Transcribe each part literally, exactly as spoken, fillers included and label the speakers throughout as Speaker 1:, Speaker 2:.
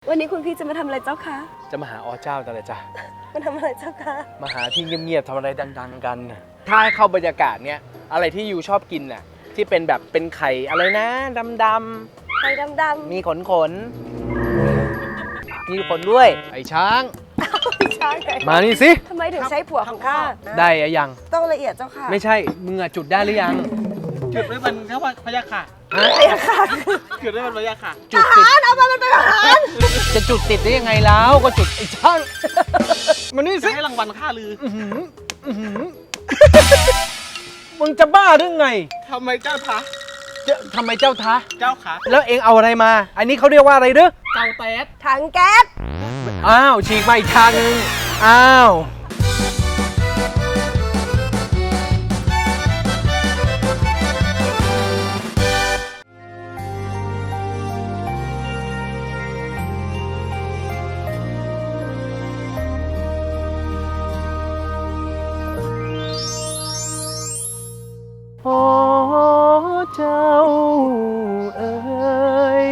Speaker 1: วันนี้คุณพี่จะมาทำอะไรเจ้าคะ
Speaker 2: จะมาหาอเจ้าแต่ละจ้ะ
Speaker 1: มาทำอะไรเจ้าคะ
Speaker 2: มาหาที่เงียบๆทำอะไรดังๆกันถ้าให้เข้าบรรยากาศเนี้ยอะไรที่ยูชอบกินน่ะที่เป็นแบบเป็นไข่อะไรนะดำๆ
Speaker 1: ไข่ดำๆ
Speaker 2: มีขนขนมีขนด้วยไอ้ช้าง
Speaker 1: ช้างไง
Speaker 2: มานี่สิ
Speaker 1: ทำไมถึงใช้ผัวของข้า
Speaker 2: ได้ยัง
Speaker 1: ต้องละเอียดเจ้าค่ะ
Speaker 2: ไม่ใช่มึงอะจุดได้หรือยัง
Speaker 3: จุดไว้มันเขาพยาค่ะ
Speaker 1: พยาค่ะ
Speaker 3: จุดไว้มันพยาค่ะ
Speaker 1: จุดติดเอามามันเป็นอาหาร
Speaker 2: จะจุดติดได้ยังไงแล้วก็จุดไอ้ช้างมานี่สิ
Speaker 3: ให้รางวัลข้าลือ
Speaker 2: มึงจะบ้าหรือไง
Speaker 3: ทำไมเจ้าท้า
Speaker 2: ทำไมเจ้าท้า
Speaker 3: เจ้าขา
Speaker 2: แล้วเองเอาอะไรมาอันนี้เขาเรียกว่าอะไรเด้อ
Speaker 3: เกาแต๊ด
Speaker 1: ถังแก๊ส
Speaker 2: อ้าวฉีกมาอีกทางนึงอ้าวโอ้เจ้าเอ๋ย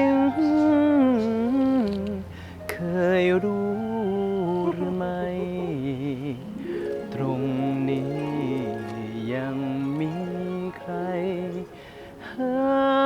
Speaker 2: เคยรู้หรือไม่ตรงนี้ยังมีใครหา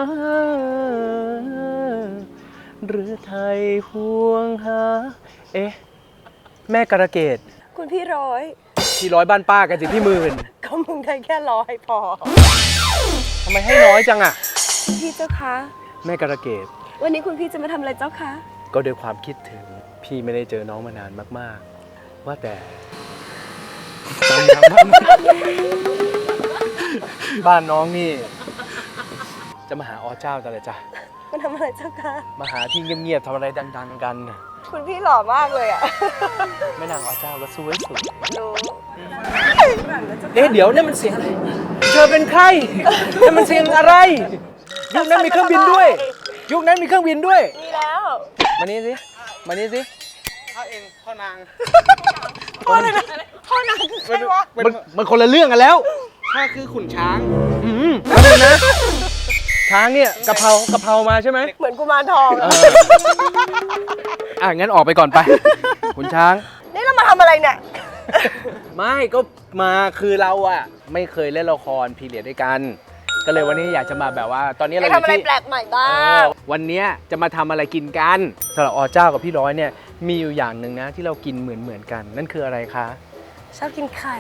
Speaker 2: หรือไทยห่วงหาเอ๊ะแม่กระเกด
Speaker 1: คุณพี่ร้อย
Speaker 2: พี่ร้อยบ้านป้ากันสิพี่หมื่น
Speaker 1: ก็มึงได้แค่ร้อยพอ
Speaker 2: ทำไมให้น้อยจังอะ
Speaker 1: พี่เจ้าคะ
Speaker 2: แม่กระเกด
Speaker 1: วันนี้คุณพี่จะมาทำอะไรเจ้าคะ
Speaker 2: ก็ด้วยความคิดถึงพี่ไม่ได้เจอน้องมานานมากๆว่าแต่บ้านน้องนี่จะมาหาอเจ้าแต่ละจ้ะ
Speaker 1: มาทำอะไรเจ้าคะ
Speaker 2: มาหาที่เงียบๆทำอะไรดังๆกัน
Speaker 1: คุณพี่หล่อมากเลยอ่ะ
Speaker 2: แม่นางอเจ้าก็สวยสุด
Speaker 1: รู้
Speaker 2: เอ๊ะเดี๋ยวนี่มันเสียงอะไรเธอเป็นใครนี่มันเสียงอะไรยุคนั้นมีเครื่องบินด้วยยุคนั้นมีเครื่องบินด้วย
Speaker 1: มีแล้ว
Speaker 2: มานี่สิมานี่สิ
Speaker 3: พ่อเองพ่อนาง
Speaker 1: พ่ออะไรนะพ่อนางคือใครวะ
Speaker 2: มันมันคนละเรื่องกันแล้ว
Speaker 3: ข้าคือขุนช้าง
Speaker 2: อืมแล้วนะช้างเนี่ยกะเพรากะเพรามาใช่ไหม
Speaker 1: เหมือนกุมารทอง
Speaker 2: อ่ะงั้นออกไปก่อนไปคุณช้าง
Speaker 1: นี่เรามาทำอะไรเนี่ย
Speaker 2: ไม่ก็มาคือเราอะไม่เคยเล่นละครพีเรียดด้วยกันก็เลยวันนี้อยากจะมาแบบว่าตอนนี้เรา
Speaker 1: ทำอะไรแปลกใหม่บ้าง
Speaker 2: วันนี้จะมาทำอะไรกินกันสำหรับอเจ้ากับพี่ร้อยเนี่ยมีอยู่อย่างหนึ่งนะที่เรากินเหมือนเหมือนกันนั่นคืออะไรคะ
Speaker 1: ชอบกินไข่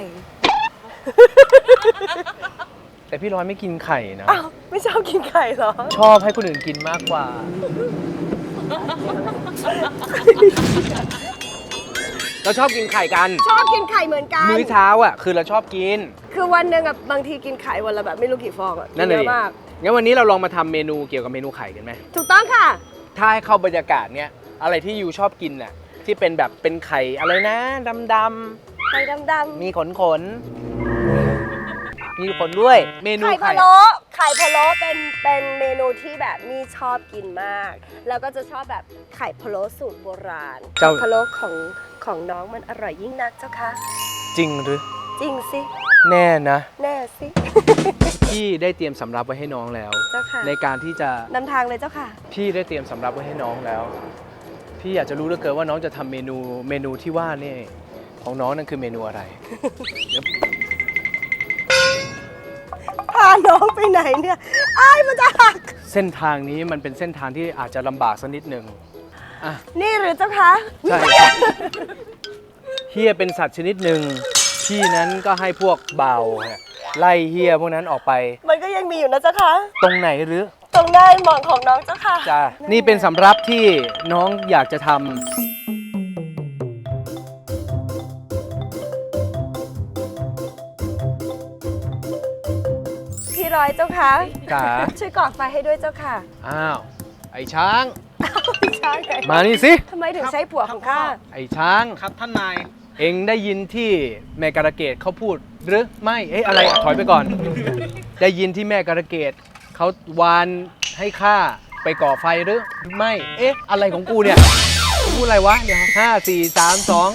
Speaker 2: แต่พี่ร้อยไม่กินไข่นะ
Speaker 1: อ้าวไม่ชอบกินไข่เหรอ
Speaker 2: ชอบให้คนอื่นกินมากกว่าเราชอบกินไข่กัน
Speaker 1: ชอบกินไข่เหมือนกัน
Speaker 2: มื้อเช้าอ่ะคือเราชอบกิน
Speaker 1: คือวันหนึ่งอ่ะบางทีกินไข่วันละแบบไม่รู้กี่ฟองอ่ะ
Speaker 2: นั่นเลยมากงั้นวันนี้เราลองมาทำเมนูเกี่ยวกับเมนูไข่กันไหม
Speaker 1: ถูกต้องค่ะ
Speaker 2: ถ้าให้เข้าบรรยากาศเนี้ยอะไรที่ยูชอบกินน่ะที่เป็นแบบเป็นไข่อะไรนะดำ
Speaker 1: ๆไข่ดำ
Speaker 2: ๆมีขนขนมีขนด้วยเมนู
Speaker 1: ไข่พะโล้ไข่พะโล้เป็นเป็นเมนูที่แบบมีชอบกินมากแล้วก็จะชอบแบบไข่พะโล้สูตรโบราณไข่พะโล้ของของน้องมันอร่อยยิ่งนักเจ้าค่ะ
Speaker 2: จริงหรือ
Speaker 1: จริงสิ
Speaker 2: แน่นะ
Speaker 1: แน่สิ
Speaker 2: พี่ได้เตรียมสำรับไว้ให้น้องแล้ว
Speaker 1: เจ้าค่ะ
Speaker 2: ในการที่จะ
Speaker 1: นำทางเลยเจ้าค่ะ
Speaker 2: พี่ได้เตรียมสำรับไว้ให้น้องแล้วพี่อยากจะรู้เหลือเกินว่าน้องจะทำเมนูเมนูที่ว่านี่ของน้องนั่นคือเมนูอะไร
Speaker 1: พาน้องไปไหนเนี่ยอ้ายมันจะหัก
Speaker 2: เส้นทางนี้มันเป็นเส้นทางที่อาจจะลำบากสักนิดหนึ่งอ่ะ
Speaker 1: นี่หรือเจ้าคะ
Speaker 2: ใช่เฮียเป็นสัตว์ชนิดหนึ่งพี่นั้นก็ให้พวกเบาไล่เฮียพวกนั้นออกไป
Speaker 1: มันก็ยังมีอยู่นะเจ้าคะ
Speaker 2: ตรงไหนหรือ
Speaker 1: ตรงหน้าหมองของน้องเจ้าค่ะ
Speaker 2: จ้านี่เป็นสำรับที่น้องอยากจะทำ
Speaker 1: พี่ร้อยเจ้าค่ะ
Speaker 2: จ๋า
Speaker 1: ช่วยก่อไฟให้ด้วยเจ้าค่ะ
Speaker 2: อ้าวไอ้ช้าง
Speaker 1: ช้าง
Speaker 2: มานี่สิ
Speaker 1: ทำไมถึงใช้ผัวของข้า
Speaker 2: ไอ้ช้าง
Speaker 3: ครับท่านนาย
Speaker 2: เอ็งได้ยินที่แม่การะเกดเขาพูดหรือไม่เอ๊ะอะไรถอยไปก่อนได้ยินที่แม่การะเกดเขาวานให้ข้าไปก่อไฟหรือไม่เอ๊ะอะไรของกูเนี่ยกูพูดอะไรวะเดี๋ยวห้าสี่สามสอง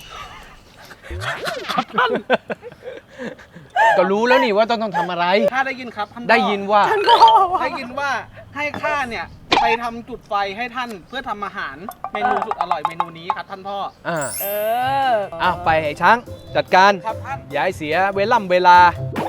Speaker 2: ก็รู้แล้วนี่ว่าต้องต้องทำอะไร
Speaker 3: ข้าได้ยินครับ
Speaker 2: ได้ยินว่า
Speaker 3: ได้ยินว่าให้ข้าเนี่ยไปทำจุดไฟให้ท่านเพื่อทำอาหารเมนูสุดอร่อยเมนูนี้ครับท่านพ่อ
Speaker 2: อ่า
Speaker 1: เออ
Speaker 2: อ้าวไปไอ้ช้างจัดการ
Speaker 3: ครับท่าน
Speaker 2: อย่าให้เสียเวล่ำเวลา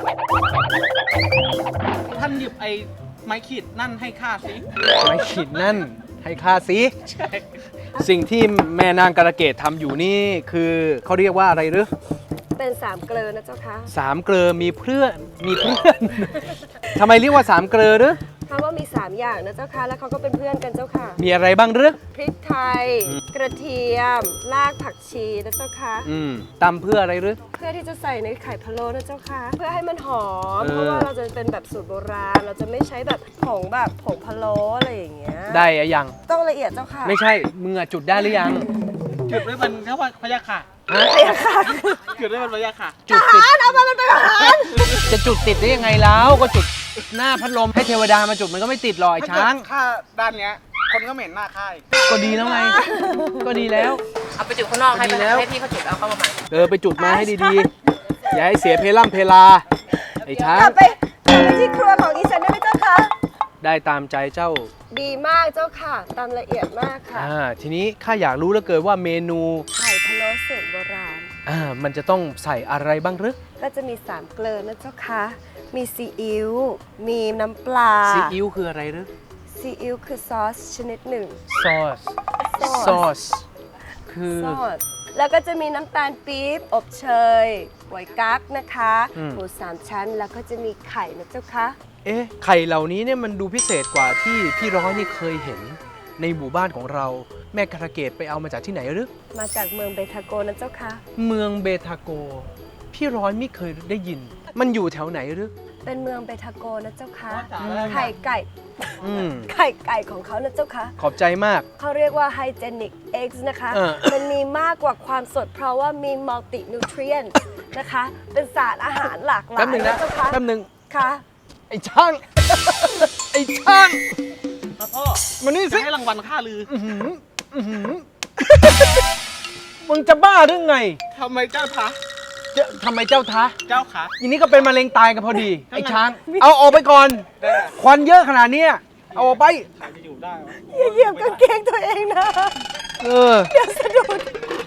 Speaker 3: ท่านหยิบไอ้ไม้ขีดนั่นให้ข้าสิ
Speaker 2: ไม่ขีดนั่นให้ค่าสิ
Speaker 3: ใช่
Speaker 2: สิ่งที่แม่นางกระเกตทำอยู่นี่คือเขาเรียกว่าอะไรหรือ
Speaker 1: เป็นสามเกลือนะเจ้าคะ
Speaker 2: สามเกลอมีเพื่อนมีเพื่อน ทำไมเรียกว่าสามเกลอหรือ
Speaker 1: เพราะว่ามีสามอย่างนะเจ้าค่ะ แล้วเขาก็เป็นเพื่อนกันเจ้าค่ะ
Speaker 2: มีอะไรบ้างหรือ
Speaker 1: พริกไทย กระเทียม รากผักชีนะเจ้าค่ะ
Speaker 2: อืมตำเพื่ออะไรหรือ
Speaker 1: เพื่อที่จะใส่ในไข่พะโล้นะเจ้าค่ะ เพื่อให้มันหอม
Speaker 2: เออ
Speaker 1: เพราะว่าเราจะเป็นแบบสูตรโบราณ เราจะไม่ใช้แบบผงแบบผงพะโล้อะไรอย่างเงี้ย
Speaker 2: ได้อะยัง
Speaker 1: ต้องละเอียดเจ้าค่ะ
Speaker 2: ไม่ใช่มึงอะจุดได้หรือยัง
Speaker 3: จุดไว้เป็นแค่ว่าพยาค่ะ
Speaker 2: ฮะ
Speaker 1: ละเอียดค่ะ
Speaker 3: จุดไว้เป็นพยาค่ะ
Speaker 2: จุดติด
Speaker 1: เอามามันเป็นอาหาร
Speaker 2: จะจุดติดได้ยังไงแล้วก็จุดหน้าพัดลมให้เทวดามาจุดมันก็ไม่ติดหรอกไอ้ช้าง
Speaker 3: ถ้าด้านเนี้ยคนก็เหม็นหน้าค่าย
Speaker 2: ก็ดีแล้วไง ก็ดีแล้ว
Speaker 4: เอาไปจุดข้างนอกให้
Speaker 2: ดีแล้ว
Speaker 4: ให้พี่เขาจุดเอาเข้ามาใหม่
Speaker 2: เออไปจุดมาให้ดีๆ อย่าให้เสียเพล่ำเพลา ไอ้ช้าก
Speaker 1: ลั
Speaker 2: ง
Speaker 1: บไปกลับไปที่ครัวของดิฉันได้ไหมเจ้าค่ะ
Speaker 2: ได้ตามใจเจ้า
Speaker 1: ดีมากเจ้าค่ะ ตามละเอียดมากค่ะ
Speaker 2: อ่าทีนี้ข้าอยากรู้เหลือเกินว่าเมนู
Speaker 1: ไข่พะโล้สูตรโบราณ
Speaker 2: อ่ามันจะต้องใส่อะไรบ้างหรือ
Speaker 1: ก็จะมีสามเกลือนะเจ้าค่ะ มีซีอิ๊ว มีน้ำปลา
Speaker 2: ซีอิ๊วคืออะไรหรือ
Speaker 1: ซีอิ๊วคือซอสชนิดหนึ่ง
Speaker 2: ซอส ซอส คือ
Speaker 1: ซอส แล้วก็จะมีน้ำตาลปี๊บ อบเชยหวยกั๊กนะคะ
Speaker 2: อืม
Speaker 1: หมูสามชั้น แล้วก็จะมีไข่นะเจ้าค่ะ
Speaker 2: เอ๊ะ ไข่เหล่านี้เนี่ยมันดูพิเศษกว่าที่พี่ร้อยนี่เคยเห็นในหมู่บ้านของเรา แม่กระเกตไปเอามาจากที่ไหนหรือ
Speaker 1: มาจากเมืองเบทาโกนะเจ้าค่ะ
Speaker 2: เมืองเบทาโก พี่ร้อยไม่เคยได้ยิน มันอยู่แถวไหนหรือ
Speaker 1: เป็นเมืองเบทาโกนะเจ้าค่ะ
Speaker 3: อืม
Speaker 1: ไข่ไก่
Speaker 2: อืม
Speaker 1: ไข่ไก่ของเขานะเจ้าค่ะ
Speaker 2: ขอบใจมาก
Speaker 1: เขาเรียกว่า hygienic eggs นะคะ
Speaker 2: เออ
Speaker 1: มันมีมากกว่าความสดเพราะว่ามี multi nutrients นะคะ เป็นสารอาหารหลากหลา
Speaker 2: แป๊
Speaker 1: ย
Speaker 2: บหนึ่งนะ
Speaker 1: เจ้าค่ะ
Speaker 2: แป๊บหนึ่ง
Speaker 1: ค่ะ
Speaker 2: ไอ้ช่าง ไอ้ช่าง
Speaker 3: ครับพ่อ
Speaker 2: มานี่
Speaker 3: จะ
Speaker 2: สิ
Speaker 3: ให้รางวัลข้าลือ
Speaker 2: อื้อหืออื้อหือ มึงจะบ้าหรือไง
Speaker 3: ทำไมเจ้าท้า
Speaker 2: จะทำไมเจ้าท้า
Speaker 3: เจ้าขา
Speaker 2: อันนี้ก็เป็นมะเร็งตายกันพอดี
Speaker 3: ทำไม
Speaker 2: ไอ้ช้าง เอาออกไปก่อน
Speaker 3: ได้ไหม
Speaker 2: ควันเยอะขนาดเนี้ยเอาออกไป
Speaker 3: ใครจะอยู่ได้วะ
Speaker 1: อย่าเหยียบกางเกงตัวเองนะ
Speaker 2: เออ
Speaker 1: เดี๋ยวสะดุด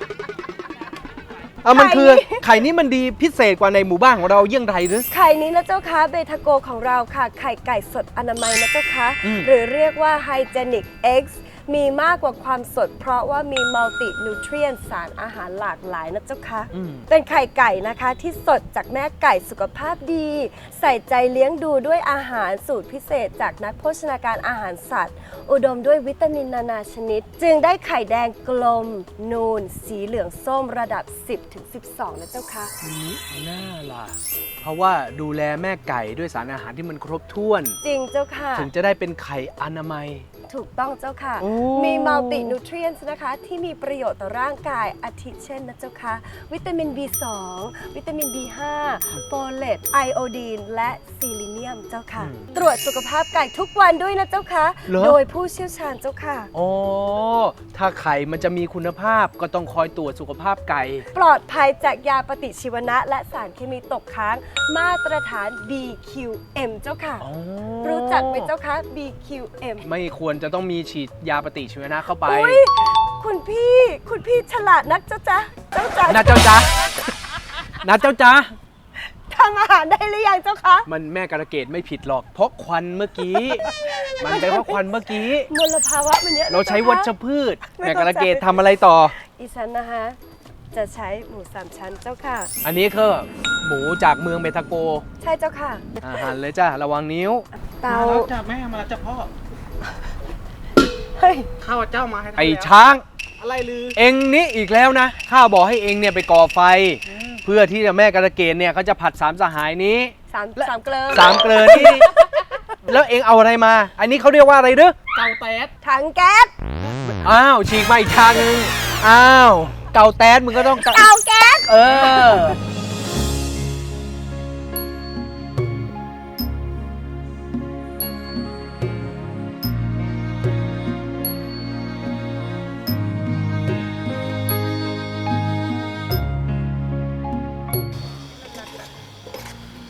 Speaker 2: เอามันคือ
Speaker 1: ไข่นี่
Speaker 2: ไข่นี้มันดีพิเศษกว่าในหมู่บ้านของเราเยี่ยงไรหรือ
Speaker 1: ไข่นี้นะเจ้าค่ะเบทาโกของเราค่ะ ไข่ไก่สดอนามัยนะเจ้าค่ะ
Speaker 2: อืม
Speaker 1: หรือเรียกว่า hygienic eggs มีมากกว่าความสด เพราะว่ามี multi nutrient สารอาหารหลากหลายนะเจ้าค่ะ
Speaker 2: อืม
Speaker 1: เป็นไข่ไก่นะคะที่สดจากแม่ไก่สุขภาพดี ใส่ใจเลี้ยงดูด้วยอาหารสูตรพิเศษจากนักโภชนาการอาหารสัตว์ อุดมด้วยวิตามินนานาชนิด จึงได้ไข่แดงกลม นูน สีเหลืองส้มระดับ สิบถึงสิบสอง นะเจ้าค่ะ
Speaker 2: น่าล่ะ เพราะว่าดูแลแม่ไก่ด้วยสารอาหารที่มันครบถ้วน
Speaker 1: จริงเจ้าค่ะ
Speaker 2: ถึงจะได้เป็นไข่อนามัย
Speaker 1: ถูกต้องเจ้าค่ะ
Speaker 2: โอ้
Speaker 1: มี multi nutrients นะคะ ที่มีประโยชน์ต่อร่างกายอาทิเช่นนะเจ้าค่ะ วิตามิน บี สอง วิตามิน บี ห้า โฟเลต ไอโอดีน และซีลิเนียมเจ้าค่ะ ตรวจสุขภาพไก่ทุกวันด้วยนะเจ้าค่ะ
Speaker 2: เหรอ
Speaker 1: โดยผู้เชี่ยวชาญเจ้าค่ะ
Speaker 2: อ๋อ ถ้าไข่มันจะมีคุณภาพก็ต้องคอยตรวจสุขภาพไก่
Speaker 1: ปลอดภัยจากยาปฏิชีวนะ และสารเคมีตกค้าง มาตรฐาน บี คิว เอ็ม เจ้าค่ะ
Speaker 2: อ๋อ
Speaker 1: รู้จักไหมเจ้าคะ บี คิว เอ็ม
Speaker 2: ไม่ควรจะต้องมีฉีดยาปฏิชีวนะเข้าไป
Speaker 1: อุ๊ยคุณพี่ คุณพี่ฉลาดนักเจ้าจ๊ะเจ้าจ๊ะ
Speaker 2: นะเจ้าจ๊ะนะเจ้าจ๊ะ
Speaker 1: ทำอาหารได้หรือยังเจ้าคะ
Speaker 2: มันแม่กระเกดไม่ผิดหรอก เพราะควันเมื่อกี้ มันเป็นเพราะควันเมื่อกี้
Speaker 1: มลภาวะมันเยอะนะ
Speaker 2: เราใช้วัช
Speaker 1: เจ้าคะ
Speaker 2: พืช
Speaker 1: ไม่
Speaker 2: แม่
Speaker 1: เข้าก ใจ
Speaker 2: ระเกดทำอะไรต่อ
Speaker 1: อีฉันนะคะ จะใช้หมูสามชั้นเจ้าค่ะ
Speaker 2: อันนี้คือหมูจากเมืองเบทาโก
Speaker 1: ใช่เจ้าค่ะ
Speaker 2: อาหารเลยจ้าระวังนิ้ว
Speaker 1: เตา
Speaker 3: มาแล้วจ้าแม่มาแล้วจ้าพ่อ
Speaker 1: เฮ้ย
Speaker 3: ข้าวเจ้ามาให้ท่าน
Speaker 2: ไอ้
Speaker 3: แล้ว
Speaker 2: ช้าง
Speaker 3: อะไรลือ
Speaker 2: เองนี่อีกแล้วนะ ข้าบอกให้เองเนี่ยไปก่อไฟ เพื่อที่จะแม่กระเกดเนี่ยเขาจะผัดสามสหายนี้
Speaker 1: สามสามเกลือ
Speaker 2: สามเกลือนี่ แล้วเองเอาอะไรมา อันนี้เขาเรียกว่าอะไรเด้อ
Speaker 3: เกาแต๊ด
Speaker 1: ถังแก๊ส
Speaker 2: อ้าว ฉีกมาอีกทางนึง อ้าว เกาแต๊ดมึงก็ต้อง
Speaker 1: เตาแก๊ส
Speaker 2: เออ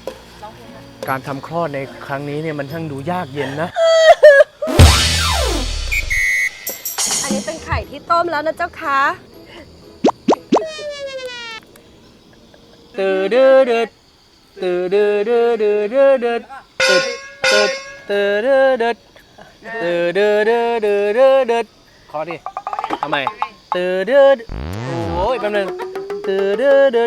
Speaker 2: การทำคลอดในครั้งนี้เนี่ยมันช่างดูยากเย็นนะ
Speaker 1: ที่ต้มแล้วนะเจ้าคะ
Speaker 2: ตื่นดื้อดืดตื่นดื้อดื้อดื้อดื้อดืดตึดตึดตื่นดื้อดืดตื่นดื้อดื้อดื้อดื้อดืดขอดิทำไมตื่นดื้อโอ้ยแป๊บนึงตื่นดื้อดืด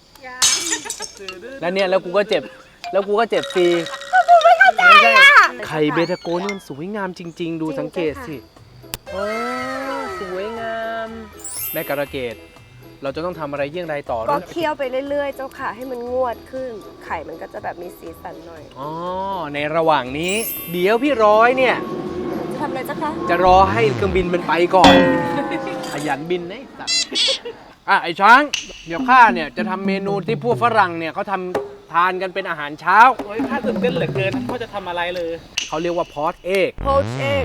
Speaker 2: แล้วเนี่ยแล้วกูก็เจ็บแล้วกูก็เจ็บฟรีไม่ใช่ไข่เบทาโกนี่มันสวยงามจริง ๆ ดูสังเกตสิโอ้สวยงามแม่การะเกดเราจะต้องทำอะไรเยี่ยงไรต่อ
Speaker 1: ก็
Speaker 2: นะ
Speaker 1: เคี่ยวไปเรื่อยๆ เจ้าค่ะ ให้มันงวดขึ้น ไข่มันก็จะแบบมีสีสันหน่อย
Speaker 2: อ๋อ ในระหว่างนี้ เดี๋ยวพี่ร้อยเนี่ย
Speaker 1: จะทำอะไรเจ้าคะ
Speaker 2: จะรอให้เครื่องบินมันไปก่อน ขยันบินนะสัตว์อ่ะ ไอ้ช้าง เดี๋ยวข้าเนี่ย จะทำเมนูที่พวกฝรั่งเนี่ยเขาทำทานกันเป็นอาหารเช้า
Speaker 3: โอ้ยข้าตื่นเต้นเหลือเกินว่าจะทำอะไรเลย
Speaker 2: เขาเรียกว่าพอตเอก
Speaker 1: poached egg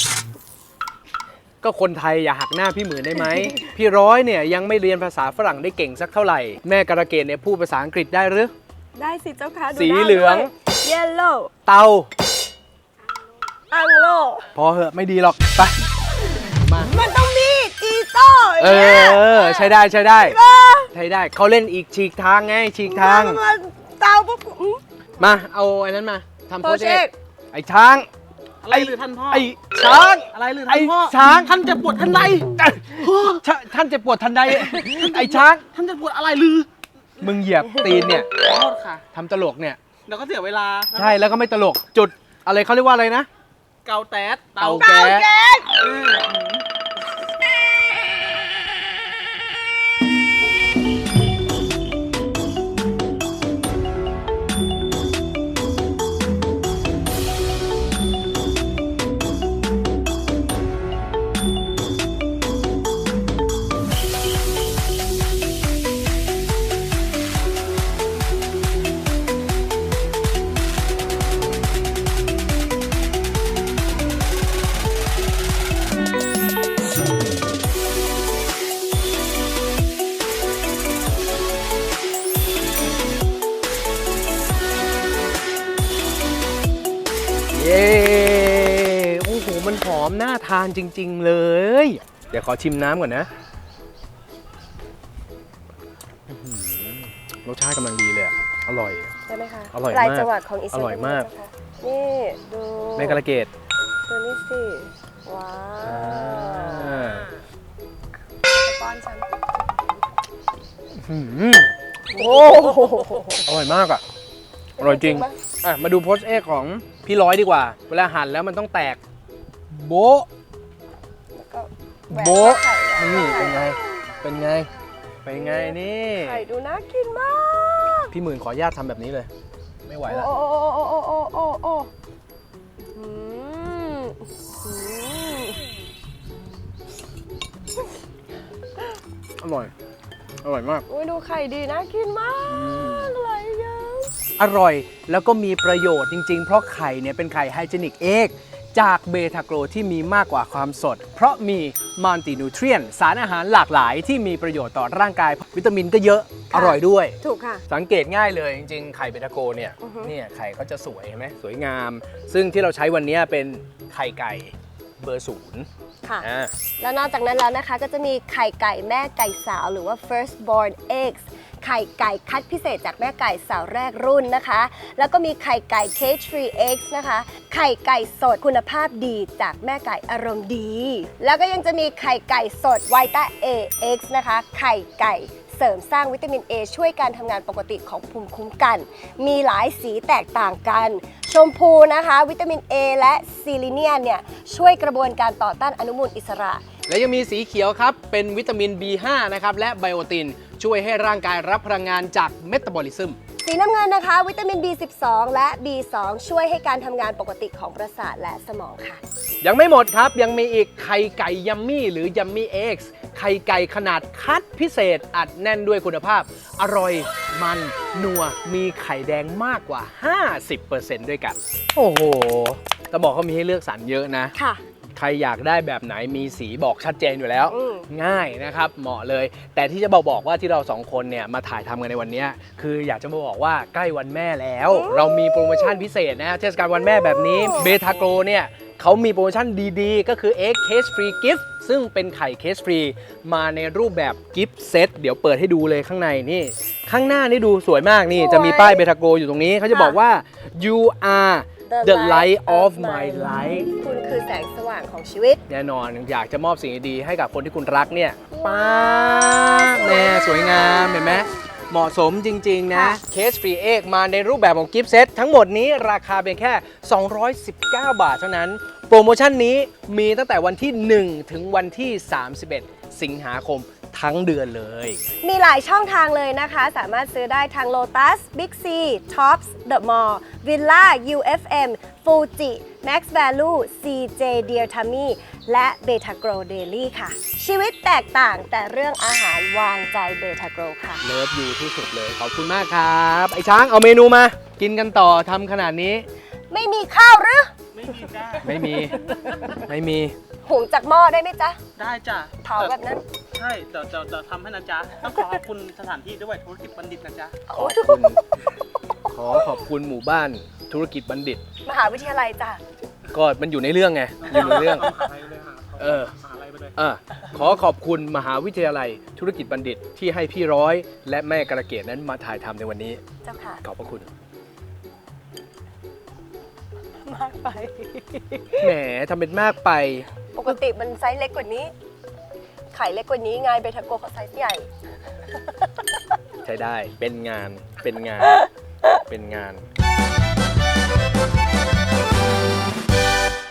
Speaker 2: ก็คนไทยอย่าหักหน้าพี่หมื่นได้ไหม พี่ร้อยเนี่ยยังไม่เรียนภาษาฝรั่งได้เก่งสักเท่าไหร่แม่การะเกดเนี่ยพูดภาษาอังกฤษได้หรือ
Speaker 1: ได้สิเจ้าค่ะดู
Speaker 2: สี
Speaker 1: น้า
Speaker 2: เหลือง
Speaker 1: ด้วย yellow
Speaker 2: เตา
Speaker 1: อังโล
Speaker 2: พอเหอะไม่ดีหรอกไปมา
Speaker 1: มันต้องมีดอีโต้
Speaker 2: เอ
Speaker 1: นี่ย
Speaker 2: อ ใช้ได้ใช้ได้ ใช้ได้เขาเล่นอีกฉีกทางไงฉีกทาง
Speaker 1: มันมันเตาปุ๊บอืม
Speaker 2: มาเอาไอ้นั้นมาทำโพส
Speaker 1: poached
Speaker 2: เอ
Speaker 1: egg
Speaker 2: กไอ้ช้าง
Speaker 3: อะไรหรือท่านพ่อ
Speaker 2: ไอ้ช้าง
Speaker 3: อะไรหรือ
Speaker 2: ไอ้
Speaker 3: ท่านพ่อ
Speaker 2: ช้าง
Speaker 3: ท่านจะปวดท่านใด
Speaker 2: ชะท่านเจะปวดทันใด ไอ้ช้าง
Speaker 3: ท่านจะปวดอะไรหรือ
Speaker 2: มึงเหยียบตีนเนี่ย
Speaker 3: ขอโทษค่ะ
Speaker 2: ทำตลกเนี่ย
Speaker 3: เดี๋ยวก็เสียเวลา
Speaker 2: ใช่แล้วก็ไม่ตลกจุดอะไรเขาเรียกว่าอะไรนะ
Speaker 3: เกาแต๊ด
Speaker 2: เตา
Speaker 3: เตา
Speaker 2: แก๊ส
Speaker 3: อืม
Speaker 2: เย้โอ้โหมันหอมน่าทานจริง ๆ เลย เดี๋ยวขอชิมน้ำก่อนนะอื้อหือรสชาติกำลังดีเลยอะอร่อย
Speaker 1: ใช่ไหมคะ
Speaker 2: อร่อยมาก
Speaker 1: ลายจังหวัดของอิสรา
Speaker 2: อร่
Speaker 1: เอ
Speaker 2: อย
Speaker 1: ล
Speaker 2: มาก
Speaker 1: เจ้ค่ะนี่ดู
Speaker 2: แม่กระเกด
Speaker 1: ตัวนี้สิ ว้า
Speaker 2: อ่าว
Speaker 1: จะป้อนฉัน
Speaker 2: อื้อหือ
Speaker 1: โอ้โห
Speaker 2: อร่อยมากอ่ะ อร่อยจริง
Speaker 1: ปะ
Speaker 2: อ่ะ มาดูโพสเอกของพี่ร้อยดีกว่า เวลาหั่นแล้วมันต้องแตก โบ๊ะ
Speaker 1: แล้วก็แหวก
Speaker 2: โบ๊ะ
Speaker 1: ไข่อะ
Speaker 2: นี่เป็นไง เป็นไง เป็นไงนี่
Speaker 1: ไข่ดูน่ากินมาก
Speaker 2: พี่หมื่นขออนุญาตทำแบบนี้เลย ไม่ไหวแล้ว
Speaker 1: โอ้โอ้โอ้โอ้โอ้โอ้โอ้อืมอืม
Speaker 2: อร่อย อร่อยมาก
Speaker 1: อุ้ยดูไข่ดีน่ากินมากอะไรเยอะ
Speaker 2: อร่อยแล้วก็มีประโยชน์จริงๆ เพราะไข่เนี่ยเป็นไข่ไฮเจนิกเอกจากเบทาโกรที่มีมากกว่าความสด เพราะมีมัลตินูเทรียนสารอาหารหลากหลายที่มีประโยชน์ต่อร่างกาย วิตามินก็เยอะ อร่อยด้วย
Speaker 1: ถูกค่ะ
Speaker 2: สังเกตง่ายเลยจริงๆ ไข่เบทาโกเนี่ย
Speaker 1: อือฮึ
Speaker 2: เนี่ยไข่เขาจะสวยเห็นไหมสวยงาม ซึ่งที่เราใช้วันนี้เป็นไข่ไก่เบอร์ศูนย์
Speaker 1: ค่ะ
Speaker 2: อ่า
Speaker 1: แล้วนอกจากนั้นแล้วนะคะก็จะมีไข่ไก่แม่ไก่สาวหรือว่า first born eggs ไข่ไก่คัดพิเศษจากแม่ไก่สาวแรกรุ่นนะคะ แล้วก็มีไข่ไก่ cage free eggs นะคะ ไข่ไก่สดคุณภาพดีจากแม่ไก่อารมณ์ดี แล้วก็ยังจะมีไข่ไก่สด Vita A X นะคะ ไข่ไก่เสริมสร้างวิตามิน A ช่วยการทำงานปกติของภูมิคุ้มกัน มีหลายสีแตกต่างกัน ชมพูนะคะ วิตามิน A และซีลิเนียนเนี่ยช่วยกระบวนการต่อต้านอนุมูลอิสระ
Speaker 2: และยังมีสีเขียวครับ เป็นวิตามิน บี ห้า นะครับ และไบโอติน ช่วยให้ร่างกายรับพลังงานจากเมตาบอลิซึม
Speaker 1: สีน้ำเงินนะคะ วิตามิน บี สิบสอง และ บี สอง ช่วยให้การทำงานปกติของประสาทและสมองค่ะ
Speaker 2: ยังไม่หมดครับ ยังมีอีกไข่ไก่ยัมมี่หรือยัมมี่เอ็กซ์ไข่ไก่ขนาดคัดพิเศษอัดแน่นด้วยคุณภาพ อร่อยมันนัวมีไข่แดงมากกว่า ห้าสิบเปอร์เซ็นต์ ด้วยกัน โอ้โหจะบอกเขามีให้เลือกสรรเยอะนะ
Speaker 1: ค่ะ
Speaker 2: ใครอยากได้แบบไหนมีสีบอกชัดเจนอยู่แล้ว
Speaker 1: อืม
Speaker 2: ง่ายนะครับ เหมาะเลย แต่ที่จะบอกบอกว่าที่เราสองคนเนี่ยมาถ่ายทำกันในวันนี้คืออยากจะมาบอกว่าใกล้วันแม่แล้ว เรามีโปรโมชั่นพิเศษนะฮะเทศกาลวันแม่แบบนี้เบทาโกรเนี่ยเขามีโปรโมชั่นดีๆ ก็คือ Egg Case Free Gift ซึ่งเป็นไข่เคสฟรีมาในรูปแบบกิฟต์เซตเดี๋ยวเปิดให้ดูเลยข้างในนี่ ข้างหน้านี่ดูสวยมากนี่
Speaker 1: สวย
Speaker 2: จะมีป้ายเบทาโกอยู่ตรงนี้เขาจะบอกว่า you are the light of my life
Speaker 1: คุณคือแสงสว่างของชีวิต
Speaker 2: แน่นอนอยากจะมอบสิ่งดีๆให้กับคนที่คุณรักเนี่ยป้าบแน่สวยงามเห็นไหมเหมาะสมจริงๆนะเคสฟรีเอ็กมาในรูปแบบของกิฟต์เซตทั้งหมดนี้ราคาเพียงแค่ สองร้อยสิบเก้า บาทเท่านั้น โปรโมชั่นนี้มีตั้งแต่วันที่ หนึ่ง ถึงวันที่ สามสิบเอ็ด สิงหาคมทั้งเดือนเลย
Speaker 1: มีหลายช่องทางเลยนะคะ สามารถซื้อได้ทาง Lotus, Big C, Tops, The Mall, Villa, ยู เอฟ เอ็ม Fuji, Max Value, ซี เจ Dear Tummy และ Beta Grow Daily ค่ะ ชีวิตแตกต่างแต่เรื่องอาหารวางใจ Beta Grow ค่ะ
Speaker 2: เลิฟอยู่ที่สุดเลย ขอบคุณมากครับ ไอ้ช้างเอาเมนูมา กินกันต่อทำขนาดนี้
Speaker 1: ไม่มีข้าวหรือ
Speaker 3: ไม่มีจ้า
Speaker 2: ไม่มี ไม่มี
Speaker 1: หุงจากหม้อได้ไหมจ๊ะ
Speaker 3: ได้จ้ะ
Speaker 1: เผาแบบนั้น
Speaker 3: ใช่เดี๋ยวจะจะทำให้นะจ๊ะต้องขอขอบคุณสถานที่ด้วยธุรกิจบัณฑิตนะจ๊ะ
Speaker 2: ขอบคุณ ขอขอบคุณหมู่บ้านธุรกิจบัณฑิต
Speaker 1: มหาวิทยาลัยจ้ะ
Speaker 2: ก็มันอยู่ในเรื่องไง อยู่ในเรื่อง
Speaker 3: มหาลัยเลยค่ะ
Speaker 2: เออ
Speaker 3: มหาลัยไปเลย
Speaker 2: อ่ะขอขอบคุณมหาวิทยาลัยธุรกิจบัณฑิตที่ให้พี่ร้อยและแม่กระเกดนั้นมาถ่ายทำในวันนี้
Speaker 1: เจ้าค่ะ
Speaker 2: ขอบพระคุณ
Speaker 1: มากไป
Speaker 2: แหมทำเป็นมากไป
Speaker 1: ปกติมันไซส์เล็กกว่านี้ ไข่เล็กกว่านี้ไงเบทาโกเขาไซส์ใหญ่
Speaker 2: ใช้ได้ เป็นงาน เป็นงาน เป็นงาน